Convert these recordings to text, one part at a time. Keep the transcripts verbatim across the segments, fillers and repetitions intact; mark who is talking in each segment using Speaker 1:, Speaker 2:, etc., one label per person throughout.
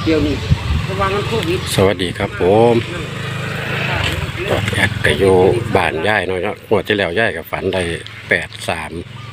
Speaker 1: เดี๋ยวนี้ระวังมันโควิด
Speaker 2: สวัสดีครับผมก็แอดก็อยู่บ้านย่ายน้อยเนาะหัวที่แล้วย่ายกับฝันได้แปดสาม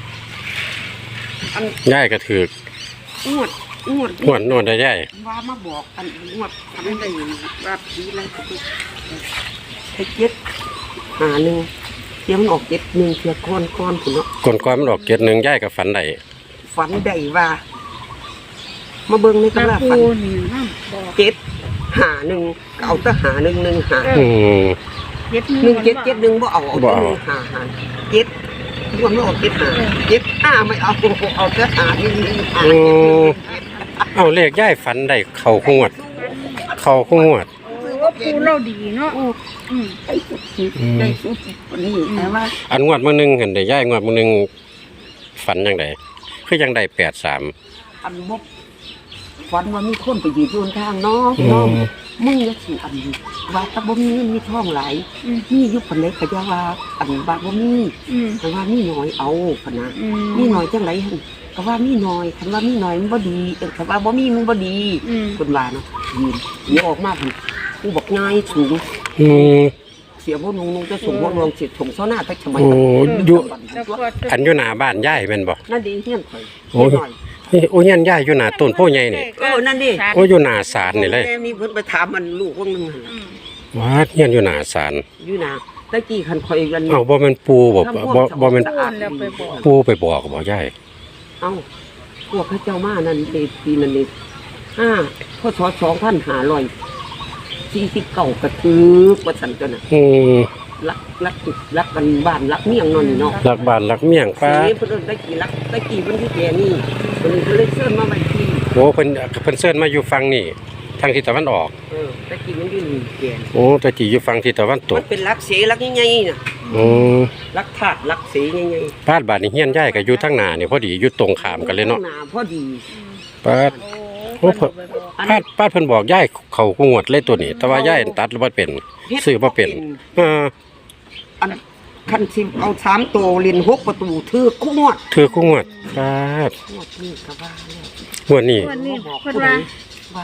Speaker 2: ย่ายก็ถือง
Speaker 1: วดงวด
Speaker 2: งวดนวดได้ย่าย
Speaker 1: ว่ามาบอกกันงวดทำได้ว่าปีอะไรก็คือให้เจ็ดหาหนึ่งเทียมออกเจ็ดหนึ่งเทียก้อนก้อนคุณเนาะ
Speaker 2: ก่อนก่อนมันออกเจ็ดหนึ่งย่ายกับฝันได้
Speaker 1: ฝันได้ว่ามาเบิ่งในตำราฝันเจ็ดหาหนึ่งเอาแต่หาหนึ่งหนึ่งหา
Speaker 2: อืม
Speaker 1: หนึ่งเจ็ดเจ็ดหนึ่งบ่เอาเอาแต่หนึ่งหาหาเจ็ดรวมแล้วออกเจ็ดหาเจ็ดห้าไม่เอาเอาแต่หาหนึ่งหนึ่งหา
Speaker 2: เอาเลขย่ายฝันได้เข่าขวดเข่าขวด
Speaker 3: ปูเราดีเนาะ
Speaker 1: อืมได้สุดได้สุดวันนี้แต่ว่า
Speaker 2: อันงวดมื้อนึงเห็นได้ย่ายงวดมื้อนึงฝันจังไดคือยังได้แปดสาม
Speaker 1: อันบ่ฝันว่ามีคนไปยืนอยู่ทางน้องน้องมึงจะสิอันว่าตะบ่มีเงินมีทองหลายมีอยู่ปานใดก็อย่าว่าอันว่าบ่มีแต่ว่ามีน้อยเอาพะนะมีน้อยจังได๋หั่นก็ว่ามีน้อยคันว่ามีน้อยมันบ่ดีเออคันว่าบ่มีมันบ่ดีเพิ่นว่าเนาะยืนเดี๋ยวออกมาเพิ่นกูบอกง่ายสูง
Speaker 2: อืม
Speaker 1: เสียบ่นุ่งๆจะส่งบ่รวมสิส่งเซาหน้าแต่ทำไม
Speaker 2: โอ้อยู่อันอยู่หน้าบ้านย่ายแม่นบ่
Speaker 1: นั่นดีเฮียนข่อย
Speaker 2: โอ้ยโอ้ยยันย่ายอยู่หน้าต้นโพใหญ่นี่
Speaker 1: เออนั่นดิ
Speaker 2: โอ้อยู่หน้าศาลนี่เลย
Speaker 1: แม่มีเพิ่นไปถามมันลูกวงนึงหั่น
Speaker 2: ว่าเฮียนอยู่หน้าศาล
Speaker 1: อยู่หน้าตะกี้คันข่อยกัน
Speaker 2: เอ้าบ่แม่นปูบ่บ่บ่แม่นปูไปบอกบ่ย่าย
Speaker 1: เอ้าพวกพระเจ้ามานั่นปีนั้นนี่ห้าพศสองพันห้าร้อยสี่สิบเก้ากระทึกว่าซั่นตัวน่ะ
Speaker 2: อืม
Speaker 1: รักรักรักกันบ้านรักเมียงนอนนี่เนาะ
Speaker 2: รักบ้านรักเมียงป้า
Speaker 1: สิเพิ่นได้กี่รักได้กี่เพิ่นที่แก่นี่เพิ่นก็เลยเชิญมาไว้ที่
Speaker 2: โอ้เพิ่นเพิ่นเชิญมาอยู่ฝั่งนี่ทางทิศตะวันออก
Speaker 1: เออได้กี่มันอยู่นี่แก่
Speaker 2: โอ้ตะกี้อยู่ฝั่งทิศตะวันตก
Speaker 1: มันเป็นรักเสรักใหญ่ๆน่ะ
Speaker 2: อือ
Speaker 1: รักธาตุรักเสใหญ่
Speaker 2: ๆบ้านบ้านนี่เฮียนย้ายก็อยู่ทางหน้านี่พอดีอยู่ตรงข้ามกันเลยเนาะ
Speaker 1: หน้าพอดี
Speaker 2: ป้าโอ้เพิ่นป้าป้าเพิ่นบอกย้ายเข้างวดเลยตัวนี้แต่ว่าย้ายตัดบ่เป็นซื้อบ่เป็นเออ
Speaker 1: อันคันสิเอาสามตัวเล่นหกประตูถือคู่งวด
Speaker 2: ถือคู่งวดป้าด
Speaker 1: งวดนี้ก็ว่าแล้ว
Speaker 2: งวดนี้
Speaker 3: งวดนี้เพิ่นว่า
Speaker 1: ว่า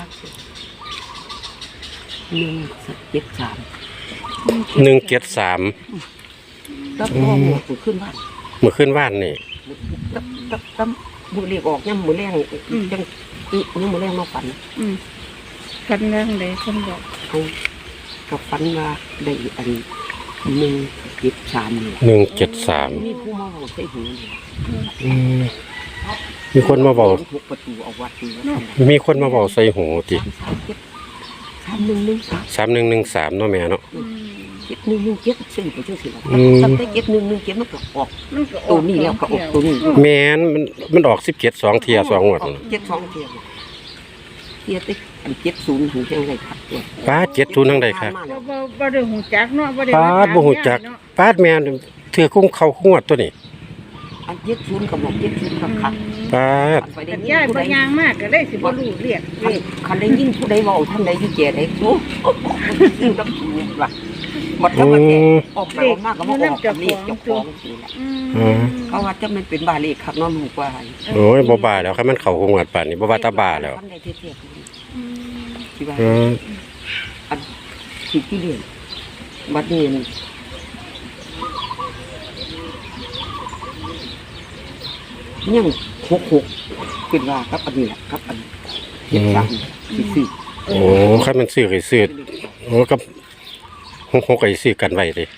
Speaker 1: หนึ่งเจ็ดสาม
Speaker 2: หนึ่งเจ็ดสาม
Speaker 1: แล้วพอหมดขึ้นบ้าน
Speaker 2: เมื่อขึ้นบ้านนี่
Speaker 1: ตั้มตั้มตั้มมือเรียกออกย่ำมือแรงจังอีย่ำมือแรงมาฝัน
Speaker 3: ฝันเรื่องใดเพิ่นบอก
Speaker 1: เอากับฝันว่าได้อันหนึ่งเจ็ดสาม
Speaker 2: หนึ่งเจ็ดสาม
Speaker 1: มีผู้มาบอกใส่หู
Speaker 2: มีคนมาบอก
Speaker 1: ประตูเอาวัด
Speaker 2: มีคนมาบอกใส่หูติ
Speaker 1: สามหนึ่งหนึ่งสาม
Speaker 2: สามหนึ่งหนึ่งสามเนาะแม่เนาะ
Speaker 1: เจ็ดหนึ่งหนึ่งเจ็ดสี่ไปเจ้าสิละทำได้เจ็ดหนึ่งหนึ่งเจ็ดมันก็ออกตัวนี้แล้วก็ออกตัวนี้
Speaker 2: แม่นมันมันออกสิบเจ็ดสองเทียสองงวด
Speaker 1: เจ็ดสองเทียเทียติ๊กอันเจ็ดศูนย์ถึงยังไงครับ
Speaker 2: ป้าเจ็ดศูนย์ทั้งใดครับ
Speaker 3: บ่บ่ได้หูจักเนาะบ่ได้
Speaker 2: ป้าบ่หูจักป้าแม่เถื่อคุ้งเข้างวดตัวนี้
Speaker 1: อันเจ็ดศูนย์กับบอกเจ็ดศูนย์กับขัด
Speaker 2: ป้า
Speaker 3: ย่ายบ่ยางมากก็ได้สิบ่รู้เรียก
Speaker 1: คันได้ยินผู้ใดเว้าท่านใดที่แก่ได้โอ้ซึ่งกับว่าหมดแล้วว่าแก่ออกไปออกมาก็บ่ออกกับเลขเจ้าของนี่แหละเขาว่าจะมันเป็นบาเลขครับเนาะลูกว่า
Speaker 2: โอ้ยบ่บาแล้วครับมันเข้างวดป่านนี้บ่ว่าตาบาแล้ว
Speaker 1: ท่านใดเทียบที่ว่าอันที่ที่เรียนบัดนี้ยังหกหกเป็นว่ากับอันนี้แหละกับอันเจ็ดสามสี่
Speaker 2: โอ้ครับมันซื้อไอ้ซื้อโอ้กับหกหกไอ้ซื้อกันไว้เลย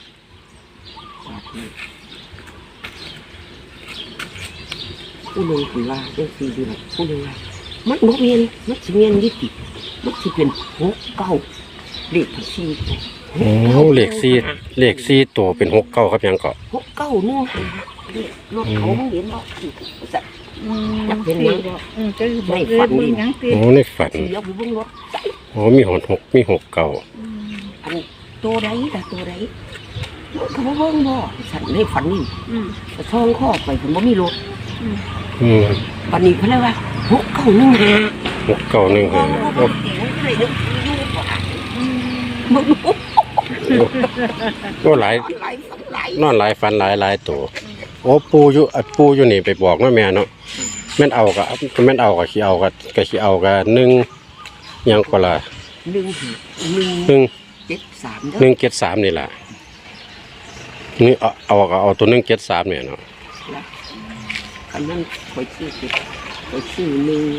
Speaker 1: ผู้หนึ่งคือว่าเรื่องสี่เดือนผู้หนึ่งว่ามันโมเมนมันสิเมียนยี่สิบมันสิเป็นหกเก้าเลขสี่
Speaker 2: โอ้เลขสี่เลขสี่ตัวเป็นหกเก้าครับยังเกาะ
Speaker 1: หกเก้านู่นรถเขาไม่เห็นหรอกสัก
Speaker 3: อยากเป็นยัง
Speaker 1: ไม่ฝันดิ
Speaker 2: โอ้ในฝันโอ้มีหกหกมีหกเก้า
Speaker 1: อันตัวใดแต่ตัวใดเขาเบิ่งบ่ฉันในฝันนี่ช่องข้อไปผมว่ามีรถวันนี้เขาเรียกว่าหกเก้าหนึ่งห้า
Speaker 2: หกเก้าหนึ่งห้าก็หลายนอนหลายฟันหลายหลายตัวโอ้ปูอยู่ปูอยู่นี่ไปบอกว่าแม่เนาะแม่นเอากับแม่นเอากับขี้เอากับกับขี้เอากับหนึ่งยังก็ละ
Speaker 1: หนึ่งหาหนึ่ง
Speaker 2: หนึ่ง
Speaker 1: เจ็ดสาม
Speaker 2: หนึ่งเจ็ดสามนี่แหละนี่เอาเอาเอาตัวหนึ่งเจ็ดสามเนี่ยเนาะ
Speaker 1: แล้วอันนั้นคอยชื่อติดคอยชื่อหนึ่ง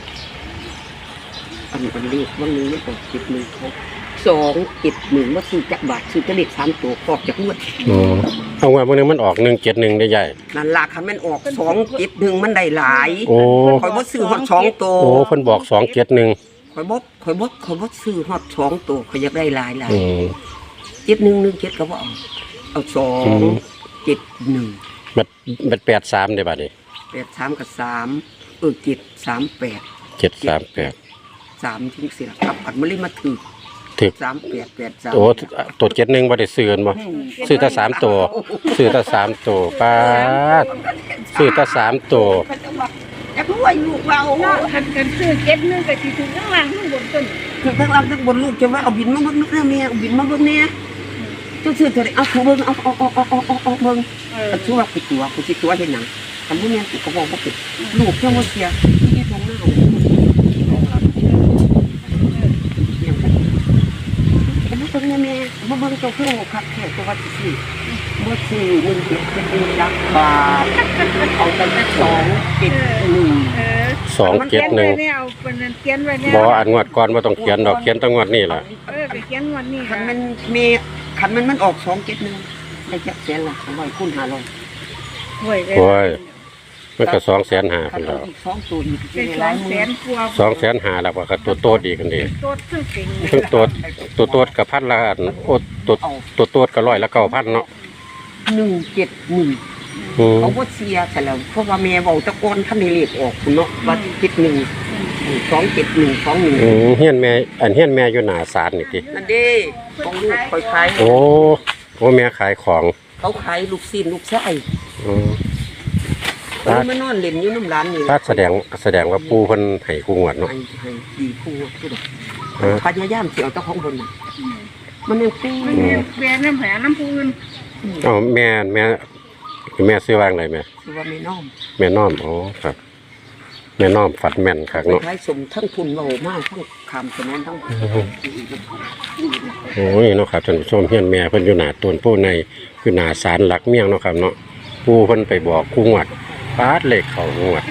Speaker 1: อันอันเลขวันนี้มันออกเจ็ดหนึ่งเขาสองเจ็ดหนึ่งว่าซื้อจักบาทซื้อจะเลขสามตัวออกจากงวด
Speaker 2: อ๋อเอาไว้บางนึงมันออกหนึ่งเจ็ดหนึ่งได้ใหญ่
Speaker 1: นั่นล่ะคันมันออกสองเจ็ดหนึ่งมันได้หลาย
Speaker 2: โอ้
Speaker 1: คอยบ่ซื้อฮอดสองตัว
Speaker 2: โอ้เพิ่นบอกสองเจ็ดหนึ่ง
Speaker 1: คอยบ่คอยบ่คอยบ่ซื้อฮอดสองตัวคอยอยากได้หลายหลาย
Speaker 2: อืม
Speaker 1: เจ็ดหนึ่งหนึ่งเจ็ดก็บ่เอาเอาสอง
Speaker 2: อืม
Speaker 1: เจ็ดหนึ่ง
Speaker 2: บัดบัดแปดสามได้บัดนี้
Speaker 1: แปดสามกับสามเออเจ็ดสามแปด
Speaker 2: เจ็ดสามแปด
Speaker 1: สามทิ้งเสียครับอันมันเลยมาถือ
Speaker 2: ถึก
Speaker 1: สามแปดแปดสาม
Speaker 2: โอ้ตัวเจ็ดหนึ่งบ่ได้ซื้อกันบ่ซื้อแต่สามตัวซื้อแต่สามตัวป้าดซื้อแต่สามตัว
Speaker 1: อยากรวยลูกเรา
Speaker 3: เนาะคันกันซื้อเก็บนึงก็สิถึงข้างล่างข้างบนต้น
Speaker 1: คือทั้งล่างทั้งบนลูกจะว่าเอาบินมาเบิ่งนึกแน่แม่เอาบินมาเบิ่งแน่เจ้าซื้อเท่าไหร่เอาถูเบิ่งเอาเอาเอาเอาเอาเอาเอาเบิ่ง
Speaker 3: เออ
Speaker 1: อันชื่อว่าปิดตัวกูสิตัวเห็นหนังทำบ่แม่นกูก็บอกว่าปิดลูกเจ้าบ่เสียที่นี่ตรงหน้าเลยเห็นบ่ตรงนี้แม่บ่เบิ่งเจ้าคือโอ้คักแท้ตัวว่าสิซื้อบ่ซื้อเงินเก็บเป็นหลักบาทเอาแต่แค่สองเจ็ดหนึ่ง
Speaker 3: เออ
Speaker 2: สองเจ็ดหนึ่ง
Speaker 3: มันเขียนไว้เนี่ยเอาเป็นนั้นเขียนไว้เนี่ย
Speaker 2: บ่อันงวดก่อนบ่ต้องเขียนดอกเขียนแตั้งวดนี่ล่ะ
Speaker 3: เออไปเขียนงวดนี้
Speaker 1: คัน
Speaker 3: ค่ะ
Speaker 1: มันมีคันมันมันออกสองเจ็ดหนึ่งได้จักแสนละสองร้อยคูณห้าร้อย
Speaker 3: ห่วยเลย
Speaker 2: โอ้ยมันก็สองแสนห้า
Speaker 1: คั
Speaker 2: เพิ่
Speaker 1: น
Speaker 2: น
Speaker 1: เอา
Speaker 2: แล้ว
Speaker 1: อีกสองตัวอีก
Speaker 3: เป็น
Speaker 1: ห
Speaker 3: สอ
Speaker 1: ลาย
Speaker 3: ง
Speaker 1: ห
Speaker 3: แส
Speaker 1: มื่น
Speaker 3: นกว่า
Speaker 2: สองแสนห้าแล้วก็ก็ตัวโตดอีกกันดี
Speaker 3: โตดซึ่งเป็น
Speaker 2: ซึ่งตัวตัวโตดกับพันละอันโอ้ตัวตัวโตดก็ร้อยละเก้าพันเนาะ
Speaker 1: หนึ่งเจ็ดหนึ่ง
Speaker 2: อืม
Speaker 1: เขาบ่เสียแต่แล้วเพราะว่าแม่เว้าตะโกนท่านได้เลขออกคุณเนาะว่าเจ็ดหนึ่งสองเจ็ดหนึ่งสองหนึ่ง
Speaker 2: อืมเฮียนแม่อันเฮียนแม่อยู่หน้าศาลนี่ติ
Speaker 1: นั่นเด้ของลูกคอยขาย
Speaker 2: โอ้โอ้แม่ขายของ
Speaker 1: เขาขายลูกศิษย์ลูกชาย
Speaker 2: อืม
Speaker 1: เขามานอนเล่นอยู่น้ำร้านนี่
Speaker 2: ถ้าแสดงแสดงว่าปู่เพิ่นให้คู่งวดเนาะ
Speaker 1: ให้ให้ดีคู่ผู้ใด
Speaker 2: เออ
Speaker 1: พยายามสิเอาเจ้าของบนน่ะมันยังปิ้ง
Speaker 3: มันมีแบรนด์น้ำแผลน้ำปูน
Speaker 2: อ๋อแม่แม่แม่ซื้อวางได้แม่
Speaker 1: คือว่าไม่น้อม
Speaker 2: แม่น้อมอ๋อครับ แม่น้อมฝัดแม่นคัก
Speaker 1: ไป
Speaker 2: เนาะ
Speaker 1: ขายสมทั้งทุนเบามากทั้งคำสนนทั้ง
Speaker 2: โอ้ยเนาะครับท่านผู้ชมเฮียนแม่เพิ่นอยู่หน้าต้นโพในคือหน้าศาลหลักเมียงเนาะครับเนาะปู่เพิ่นไปบอกคู่งวดปาดเลขเข้างวด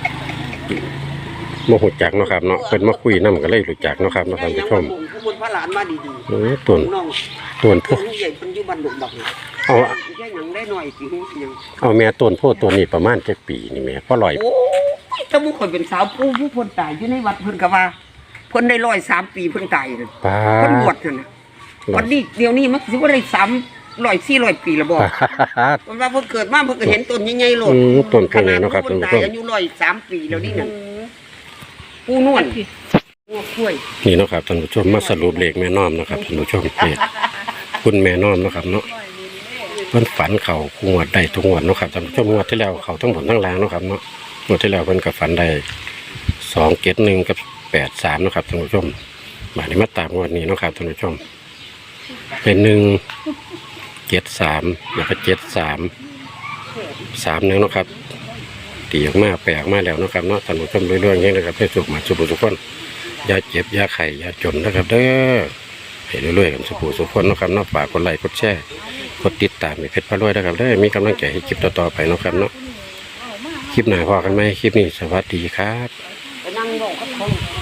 Speaker 2: บ่ฮู้จักเนาะครับเนาะเพิ่นมาคุยนำก็เลยรู้จักเนาะครับเนาะท่านผู้ชม
Speaker 1: ขบวนพระหลานมาดี
Speaker 2: โอ้ยต้น
Speaker 1: ๆน้อง
Speaker 2: ต้นโพ
Speaker 1: ตัวใหญ่คนอยู่บ้านหลวงบัก
Speaker 2: เอา
Speaker 1: แค่หยังได้หน่อยสิฮู้สิหยัง
Speaker 2: เอาแม่ต้นโพตัวนี้ประมาณจักปีนี่แม่พอร้อย
Speaker 1: โอ้ยถ้าบุคคลเป็นสาวผู้ผู้เพิ่นตายอยู่ในวัดเพิ่นก็ว่าเพิ่นได้ร้อยสามปีเพิ่นตายนั่น
Speaker 2: ปา
Speaker 1: เพิ่นบว
Speaker 2: ด
Speaker 1: ชนั่นน่ะวันนี้เดี๋ยวนี้มันสิบ่ได้สามร้อยสี่ร้อยปีแล้วบ่
Speaker 2: ปาด
Speaker 1: เพิ่นว่าเพิ่นเกิดมาเพิ่นก็เห็นต้นใหญ่ๆโลด
Speaker 2: อืมต้นโพ
Speaker 1: ขนาด
Speaker 2: เนาะครับ
Speaker 1: เพิ่
Speaker 2: ท่าน
Speaker 1: น
Speaker 2: ผู้
Speaker 1: ตาย
Speaker 2: ชม
Speaker 1: อายุร้อยสามปีแล้วนี่นั่นปูนวลงัวกล้วย
Speaker 2: นี่เนาะครับท่านผู้ชมมาสรุปเลขแม่น้อมเนาะครับท่านผู้ชมนี่คุณแม่น้อมเนาะครับเนาะเพิ่นฝันเขางวดได้ทุกงวดเนาะครับท่านผู้ชมงวดที่แล้วเขาทั้งบนทั้งล่างเนาะครับเนาะงวดที่แล้วเพิ่นก็ฝันได้สองเจ็ดหนึ่งกับแปดสามเนาะครับท่านผู้ชมมาในมาตามงวดนี้เนาะครับท่านผู้ชม เป็นหนึ่งเจ็ดสามแล้วก็เจ็ดสามสามหนึ่งเนาะครับตีออกมาแปลกมาแล้วเนาะครับเนาะท่านผู้ชมเรื่อยๆอย่างนี้นะครับให้สุขมาสุขทุกคนอย่าเจ็บอย่าไข้อย่าจนนะครับเด้อให้เรื่อยๆกันสุขสุขคนเนาะครับเนาะฝากกดไลค์กดแชร์กดติดตามให้เพชรพารวยนะครับเด้อมีกำลังใจให้คลิปต่อๆไปเนาะครับเนาะคลิปหน้าพอกันไหมคลิปนี้สวัสดีครับ
Speaker 1: ไปนั่งบอกกับเขา